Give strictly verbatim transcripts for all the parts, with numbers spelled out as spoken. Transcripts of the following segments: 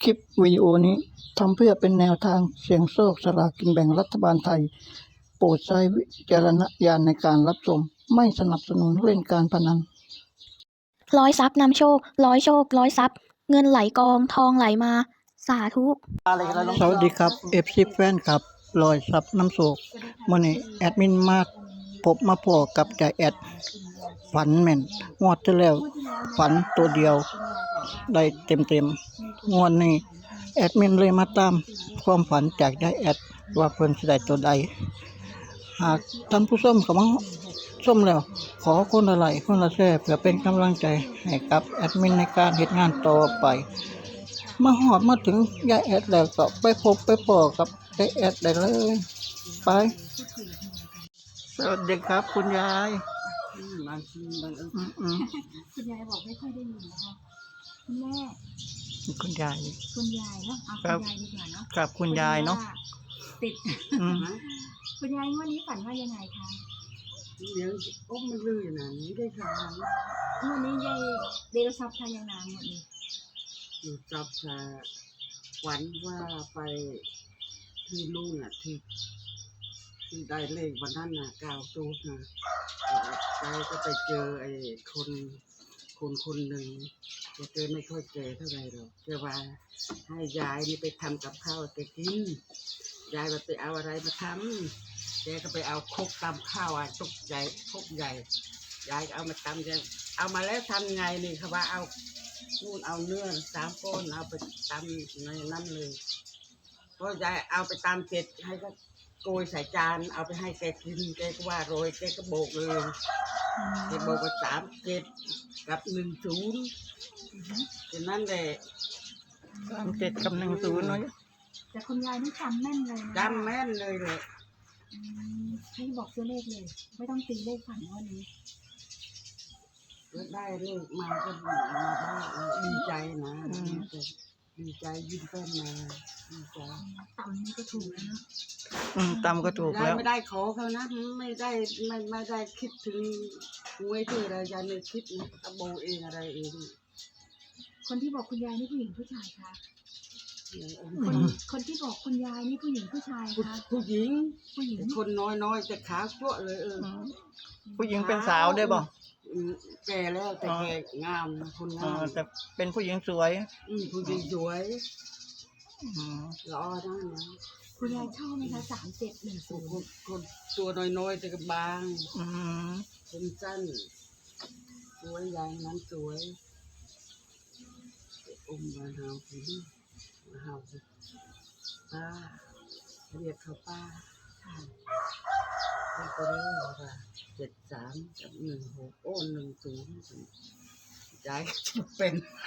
คลิปวิดีโอนี้ทำเพื่อเป็นแนวทางเสี่ยงโชคสลากกินแบ่งรัฐบาลไทยโปรดใช้วิจารณญาณในการรับชมไม่สนับสนุนเล่นการพนันร้อยทรัพย์นำโชคร้อยโชคร้อยทรัพย์เงินไหลกองทองไหลมาสาธุสวัสดีครับเอฟซีแฟนครับลอยซับน้ำโศกมื่อนี้แอดมินมาพบมาพอกับจ่าแอดฝันแม่นงวดที่แล้วฝันตัวเดียวได้เต็มเต็มงวดนี้แอดมินเลยมาตามความฝันจากจ่าแอดว่าเพิ่นสิได้ตัวใดหากท่านผู้ชมเขามาชมแล้วขอคนละไลค์คนละแชร์เพื่อเป็นกำลังใจให้กับแอดมินในการเฮ็ดงานต่อไปมาหอดมาถึงยายแอดแล้วก็ไปพบไปปอกับยายแอดได้เลยไปสวัสดีครับคุณยายอืมอืมคุณยายบอกไม่ค่อยได้ยินนะคะคุณแม่คุณยายคุณยายเนาะเอาครัคุบณยายดีกว่าเนาะกับคุณยายเนาะติดอืมคุณยายงวันนี้ฝันว่ายังไงคะเดี๋ยวอ้มมันลื่นนะนี่ได้ค่ะงวันนี้ยายเดลซับทายังนามหมดนี้อยู่จับค่ะฝันว่าไปที่นู่นน่ะที่ที่ได้เลขวันนั้นน่ะเก้าตูดนะไปก็ไปเจอไอ้คนคนคนหนึ่งแกไม่ค่อยแก่เท่าไหร่หรอกแกว่าให้ยายนี่ไปทำกับข้าวแกกินยายว่าไปเอาอะไรมาทำแกก็ไปเอาครกตำข้าวอ่ะตุกใหญ่ครกใหญ่ยายก็เอามาตำแกเอามาแล้วทำไงนี่เขาว่าเอานู่นเอาเนื้อสามก้อนเอาไปตำในนั้นเลยเพราะยายเอาไปตำเสร็จให้ก็โกยใส่จานเอาไปให้แกกินแกก็ว่าโรยแกก็โบกเลยแกโบกว่าสามเจ็ดกับหนึ่งศูนย์ฉะนั้นแหละสามเจ็ดกับหนึ่งศูนย์เนาะแต่คุณยายนี่จำแม่นเลยนะจำแม่นเลยเลยอืมให้บอกตัวเลขเลย ไม่ต้องตีเลขฝันวันนี้แล้วได้เลขมาก็มาบ้างดีใจนะดีใจยิ้มแป้นมาดีใจต่ำนี่ก็ถูกแล้วเนาะอืมตามก็ถูกยายแล้วไม่ได้ขอเขานะไม่ได้ไม่ไม่ได้คิดถึงหวยที่อะไรยายไม่คิดนะตะโบเองอะไรเองคนที่บอกคุณยายนี่ผู้หญิงผู้ชายคะอืคนมคนที่บอกคุณยายนี่ผู้หญิงผู้ชายผู้คะผู้หญิงผู้หญิงคนน้อยน้อยแต่ขาวจั่วเลยเอออืมผู้หญิงเป็นสาวได้บ่อืมแก่แล้วแต่แก่งามนะคนอ๋องามแต่เป็นผู้หญิงสวยอืมผู้หญิงสวยอืมรอได้นะคุณยายชอบไหมคะสามเจ็ดหนึ่งคศูนนย์คนตัวน้อยๆแต่ก็บางอืมผมสั้นสวยอย่างนั้นสวยอุ้มมาเฮาสิมาเฮาสิป้าเรียกเขาป้าค่ะเป็นตัวเลขว่าเจ็ดสามกับหนึ่งหกโอ้หนึ่งศูนย์ยายจะเป็น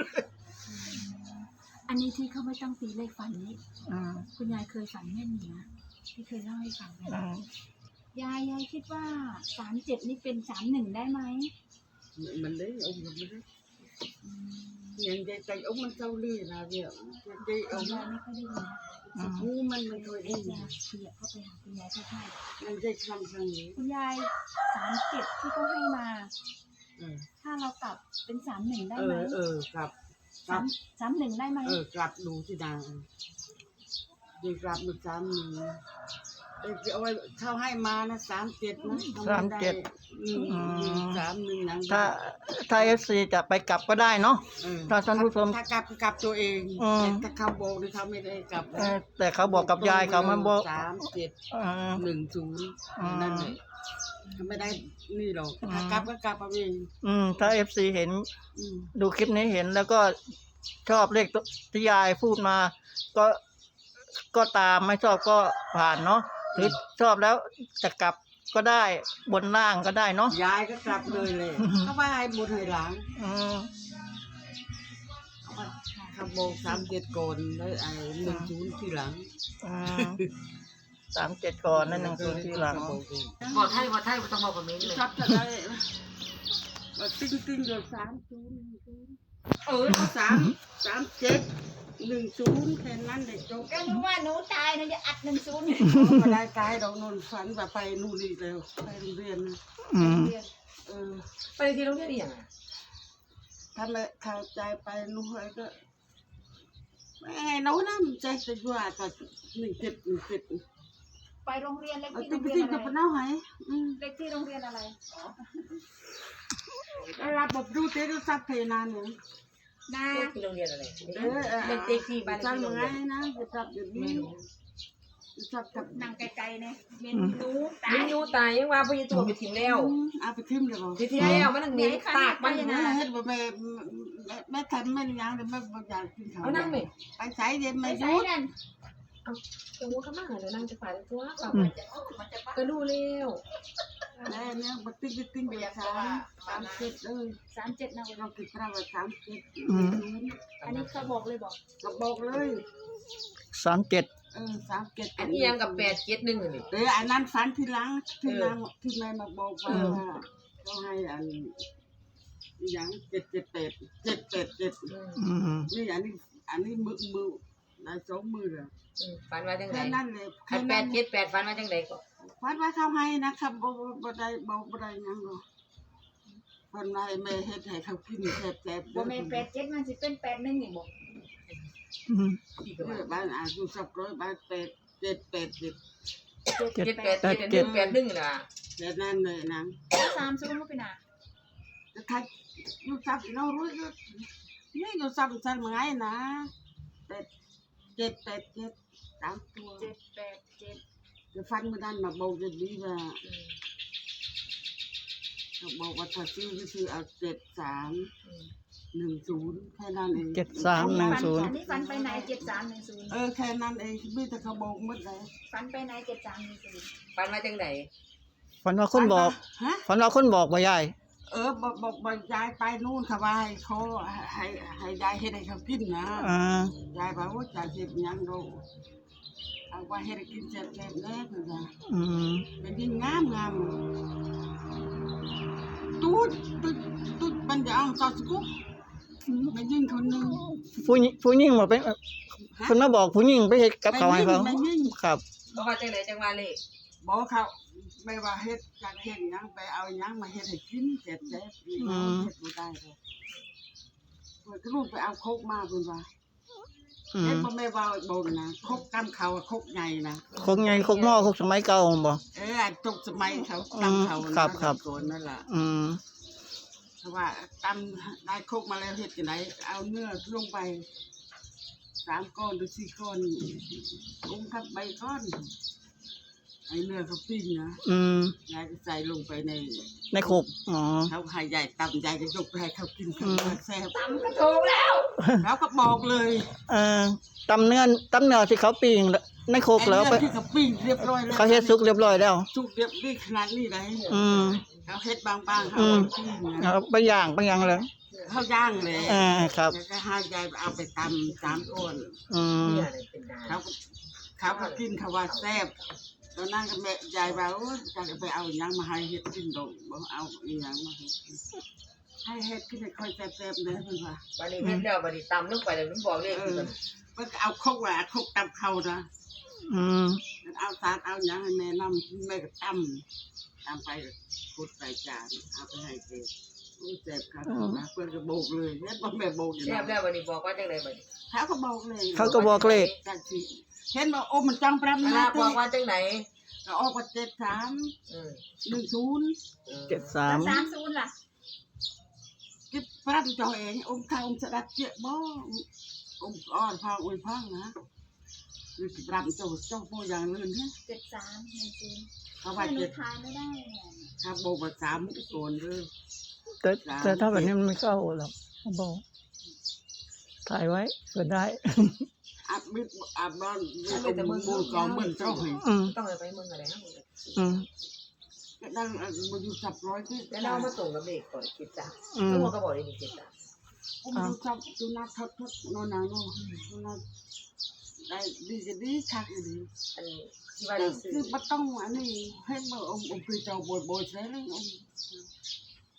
อันนี้ที่เขาไม่ต้องตีเลขฝันนี้อืมคุณยายเคยฝันแม่นอยู่นะที่เคยเล่าให้ฟังนะอืมยายยายคิดว่าสามเจ็ดนี่เป็นสามหนึ่งได้ไหม mình đấy ông mình đấy nhìn cái tay ông mình sau đi là việc cái คุณ ông ยายไม่ค่อยได้ยินนะอืม ngu mình mình thôi เดี๋ยว đi จะขยับเข้าไปหาคุณยายใกล้ mình dây khăn sang nhỉ ๆคุณยายสามเจ็ดที่เขาให้มา ừ ถ้าเรากลับเป็นสามหนึ่งได้ไหม ừ ừ gặp สาม gặp สามหนึ่งได้ไหม ừ gặp đủ thì nào đi gặp một tám mình cái ôi sao hai má nó tám tiệt nó Tám tiệt. ừ tám mình nắng ถ้าถ้าเอฟซีจะไปกลับก็ได้เนาะ ừ ถ้าท่านผู้ชมถ้ากลับกลับตัวเองอืมถ้าเขาโบกหรือเขาไม่ได้กลับเออแต่เขาบอกกับยายเขามันบอกสามเจ็ดเออหนึ่งศูนย์อืมนั่นเลยเขาไม่ได้นี่หรอกอืมถ้ากลับก็กลับเอาเองอืมถ้าเอฟซีเห็นอืมดูคลิปนี้เห็นแล้วก็ชอบเลขที่ยายพูดมา ก็ก็ตามไม่ชอบก็ผ่านเนาะหรือชอบแล้วจะกลับก็ได้บนล่างก็ได้เนาะยายก็กลับเลยเลยอืมเขาว่าให้บุญให้หลังอืมเขาว่าเขาโบกสามเจ็ดโกนแล้วไอ้หนึ่งศูนย์ที่หลังอืมสามเจ็ดก่อนนั่นหนึ่งศูนย์ทีหลังเขาโบกเองบอกไทยบอกไทยไม่ต้องบอกกับเมนเลยชัดจะได้ว่าติ้งติ้งเดือดสามศูนย์หนึ่งศูนย์เออสามสามเจ็ดหนึ่งศูนย์แค่นั้นเลยจบก็นึกว่าหนูตายนะจะอัดหนึ่งศูนย์มาได้กายดอกนนฝันแบบไปนู่นนี่เร็วไปโรงเรียนนะอืมเออไปที่โรงเรียนอีกอย่างอ่ะถ้าไม่เข้าใจไปนู่นก็แม่ đâu lắm chạy tới qua cả mình chết mình chết ไปโรงเรียนเล็ก ở ที่โร tiếp งเรีย tiếp นอะไร gặp nó hay เล็กที่โรงเรียนอะไร là bọc du tế nó sắp thầy nào nữa นาที่โรงเรียนอะไรเด็กที่บ้านที่โรงเรียนนะจะจับเดี๋ยวนี้จะจับกับนั่งไกลๆเนี่ยเมนนูตามิยนยูตายยังว่าพยตัวไปทิ้งแล้วเอาไปทิ่มเลยบ่ไปทิ้งแล้วมันนั่งเหม็นตากมันแม่เฮ็ดบ่แม่แม่ทำแม่ยังเลยแม่บ่อยากกินข้าวเอานั่งไหมไปใช้เย็นไปไม่ใส่ยุดนั่นตรงนู้นข้างหน้าเดี๋ยวนั่งจะฝ่ายตัวก็รู้แล้วแม่เนี่ยบ่ติ๊กติ๊กเบียร์สามสามเจ็ดเอ้ยสามเจ็ดนะเราคิดว่าสามเจ็ดอันนี้เขาบอกเลยบอกก็บอกเลยสามเจ็ดเออสามเจ็ดอันนี้ยังกับแปดเจ็ดหนึ่งนี่เอออันนั้นฝันทีหลังที่นางที่แม่มาบอกว่าเขาให้อันอย่างเจ็ดเจ็ดแปดเจ็ดแปดเจ็ดอืมนี่อันนี้อันนี้มือมือได้สองมือเลยฟันมาจังไหนแค่นั้นเลยอันแปดเจ็ดแปดฟันมาจังไหนก็ฝันว่าเขาให้นะครับบ่บ่ได้บ่บ่ได้ยังหรอกคนให้แม่เฮ็ดให้เขากินแซ่บๆบ่แม่นแปดเจ็ดมันสิเป็นแปดหนึ่งนี่บอกอืมเออบ้านอายุสักร้อยบ้านแปดเจ็ดแปดเจ็ดเจ็ดเจ็ดแปดเจ็ดหนึ่งแปดหนึ่งนะแค่นั้นเลยนางสามศูนย์ก็เป็นอ่ะจะทักยูซับเรารู้ก็นี่ยูซับซันมาไงนะแปดเจ็ดแปดเจ็ดสามตัวเจ็ดแปดเจ็ดจะฟันมาดันมาบอกจะดีว่าเขาบอกว่าถ้าซื้อก็ซื้อเอาเจ็ดสามหนึ่งศูนย์แค่นั้นเองเจ็ดสามหนึ่งศูนย์อันนี้ฟันไปไหนเจ็ดสามหนึ่งศูนย์เออแค่นั้นเองมีแต่เขาบอกหมดเลยฟันไปไหนเจ็ดสามหนึ่งศูนย์ฟันมาจังไหนฝันว่าคนบอกฮะฝันว่าคนบอกบ่ยายเออบอกบอกบอกยายไปนู่นค่ะว่าให้เขาให้ให้ยายเฮ็ดให้เขากินนะอ่ายายบอกว่าจะเฮ็ดหยังดูเอาว่าเฮ็ดให้กินแซ่บๆแน่คือว่าอืมเป็นยิ่งงามงามตูดตูดตูดปัญญาอ่องซอสกุ๊กมันยิ่งคนหนึงผู้หญิงผู้หญิงบ่เป็นคนมาบอกผู้หญิงไปเฮ็ดกับเขาวให้เขาไม่ยิ่งครับก็ว่าจังไหนจังว่าเลขบอกเขาไม่ว่าเฮ็ดจากเฮ็ดหยังไปเอาหยังมาเฮ็ดให้กินแซ่บๆนี่นะเฮ็ดบ่ได้เลยเพิ่นก็ลูกไปเอาโคกมาเพิ่นว่าอืเฮ็ดมบ่แม่ว่าบ่นะโคกกำเขาอะโคกใหญ่นะคงไงคงหม้อคงสมัยเก่าบ่เอออันตกสมัยเขากำเขาอืมครับครับโกนนั่นล่ะอืมเพราะว่าตำได้โคกมาแล้วเฮ็ดจังไดเอาเนื้อลงไปสามก้อนหรือสี่ก้อนลงทับใบก้อนไอ้เนื้อเขาปิ้งนะอืมยายก็ใส่ลงไปในในโคกอ๋อเขาให้ยายตำยายจะยกไปให้เขากินเขาอืมว่าแซ่บตำก็ถูกแล้วเขาก็บอกเลยเอ่อตำเนื้อตำเนื้อที่เขาปิ้งในโคกไอ้แล้วเนื้ไปอที่เขาปิ้งเรียบร้อยแล้วเขาเฮ็ดสุกเรียบร้อยแล้วสุกเรียบนี่ขนาดนี้เลยอืมเขาเฮ็ดบางๆเขาอืมเอาปิ้งนะเอาไปย่างไปย่างเลยเขาย่างเลยอ่าครับแล้วก็ให้ยายเอาไปตำสามก้อนอืมเนี่ยอะไรเป็นดาเขาก็เขาก็กินเขาว่าแซ่บตอนนั้นก็แม่ยายว่าโอ้ยจะไปเอาหยังมาให้เฮ็ดกินดอกบ่เอาอีหยังมาให้กินให้เฮ็ดกินให้ค่อยแซ่บๆเด้อเพิ่นว่าวันนี้เฮ็ดแล้ววันนี้ตำลงไปแล้วมันบอกเลขเอคืออมันเพิ่นก็เอาครกว่าครกตำเขานะอืมเอาสารเอาหยังให้แม่นำแม่ก็ตำตำไปพุดใส่จานเอาไปให้เด็กโอ้ยแซ่บครับว่าเพิ่นก็โบกเลยเฮ็ดบ่แม่โบกอยู่แซ่บแล้นะววันนี้บอกว่าจังไหนบัดนี้เขาก็บอกเลยเขาก็บอกเลขจังสิเห็นบ่โอ้มันจังปรำคนะณะบติอกว่าจังไหนก็ออกว่าเจ็ดสามอืมหนึ่งศูนย์เจ็ดสามสามศูนย์ล่ะกิบปรับเจ้าเองอมข้าวอมสะดัดเจี๊ยบบ่อมอ่อนพังอุ้ยพังนะนี่กิบปรับเจ้าเจ้าโบอย่างลื่นฮะเจ็ดสามหนึ่งศูนย์เขาไม่ว่าหนูเจ็ดทายไม่ได้เนี่ยถ้าโบว่าสามโกนเลยแต่แต่ถ้าแบบนี้มันไม่เข้าหรอกบอกถ่ายไว้ก็ได้อาบมิดอาบนอนเป็นมูกองเหมือนเจ้าหอยอืมต้องเอาไปเมืองอะไรนะอืมก็นั่งมาอยู่สับร้อยที่แล้วเรามาส่งกับเลขก่อนคิดจ้ะอืมทุกคนก็บอกเลขนี่คิดจ้ะผมอยู่สับจุนัดทัดทัดนอนนานอนนอนได้ดีจะดีคักดีอันนี้ที่ว่าแต่ได้ซื้อคือบ่ต้องอันนี้ให้บ่อมอมคือเจ้าบ่บ่ใช่เลยอม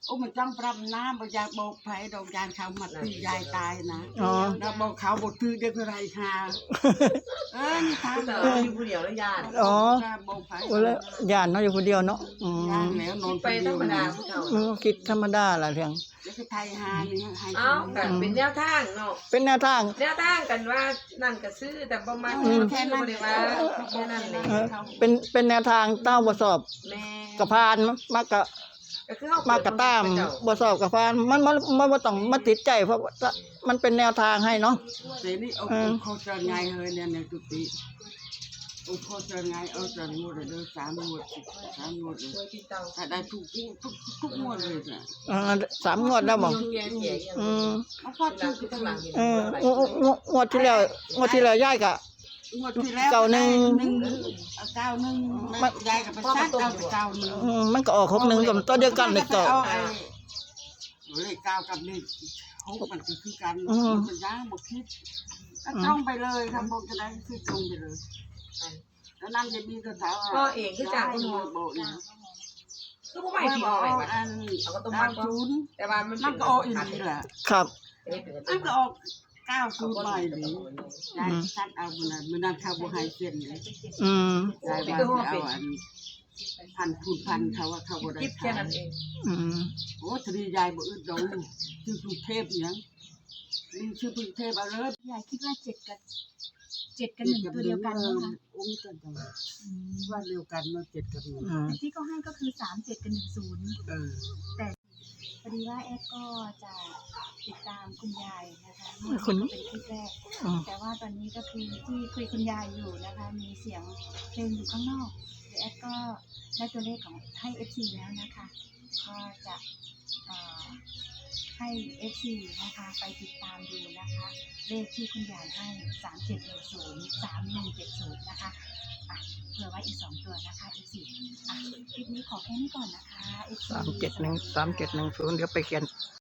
โอ้มันจ้องปรับน้ำบ่อยากบอกไผดอกยานเขามาตียายตายนะอ๋อแล้วบอกเขาบ่ตื้อเด็กอะไรค่ะเออนี่ทางแต่เอออยู่ผู้เดียวแล้วญาติอ๋อบอกไผโอ้แล้วย่านเนาะอยู่คนเดียวเนาะอืมย่างแล้วนอนไปธรรมดาผู้เฒ่าอืมคิดธรรมดาล่ะเรื่องแล้วก็ไทยหานี่ให้เอ้ากันเป็นแนวทางเนาะเป็นแนวทางแนวทางกันว่านั่นก็ซื้อแต่ประมาณอืมแค่นั้นบ่ได้ว่าแค่นั้นเลยเออเป็นเป็นแนวทางเต้าบ่สอบแม่กระพานมากกะก็คือเฮามากระตามบ่สอบกระพานมันมันมันบ่ต้องมาติดใจเพราะว่ามันเป็นแนวทางให้เนาะแต่นี่เอาเออเขาจะไงเฮ้ยเนี่ยในกุฏิเอาเขาจะไงเอาจะงวดเลยเด้อสามงวดสิสามงวดเลยช่วยพี่เต้าถ้าได้ทุกทุกทุกงวดเลยจ้ะเออสามงวดแล้วบ่แก่ๆอย่างอืมเอาพอหลัทุงกคือข้างหลังเห็นเอออะไรงวงวงวดที่แล้วงวดที่แล้วยายก็งวดที่แล้วเก้าหนึ่งหนึ่งเอาเก้าหนึ่งมันยายกับไปซัดเอาไปเก้าหนึ่งอืมมันก็ออกหกหนึ่งกับตัวเดียวกันเลยก็เอาไอ้เลขเก้ากับเลขหกมันคือคือกันอืมมันย่างบกคิดก็ตรงไปเลยทำบกจะได้คือตรงไปเลยแล้วนั่นจะมีกระถาก็เองคือจากคุณหมอโบนะคือผู้ใหม่ที่เอาไปอันเอาก็ต้องเก้ามัดศูนย์แต่ว่ามันมันก็ออกอีกนี่แหละครับมันก็ออกเก้าศูนย์หน่อยหนึ่งยายซัดเอามันนะมันนั่นข้าวบัวไฮเส้นเลยอืมยายว่าจะเอาอันพันคูณพันเขาว่าเขาบ่ได้คิดแค่นั้นเองอืมโอ้ทรียายบ่อึดดงชื่อสุเทพเนี่ยนี่ชื่อสุเทพเอาเลยยายคิดว่าเจ็ดกับเจ็ดกับหนึ่งตัวเดียวกันไหมคะโอ้ยกันจังว่าเดียวกันเนาะเจ็ดกับหนึ่งอืมแต่ที่เขาให้ก็คือสามเจ็ดกับหนึ่งศูนย์เออพอดีว่าแอดก็จะติดตามคุณยายนะคะคุณนี่เป็นคลิปแรกอืมแต่ว่าตอนนี้ก็คือที่คุยคุณยายอยู่นะคะ มีเสียงเพลงอยู่ข้างนอกเดี๋ยวแอดก็ได้ตัวเลขของให้ เอฟ ซี แล้วนะคะ ก็จะเอ่อให้ เอฟ ซี นะคะไปติดตามดูนะคะ เลขที่คุณยายให้สามเจ็ดหนึ่งศูนย์สามหนึ่งเจ็ดศูนย์นะคะอ่ะเผื่อไว้อีกสองตัวนะคะ เอฟ ซี อ่ะคลิปนี้ขอแค่นี้ก่อนนะคะ เอฟ ซีสามเจ็ดหนึ่งสามเจ็ดหนึ่งศูนย์เดี๋ยวไปเขียน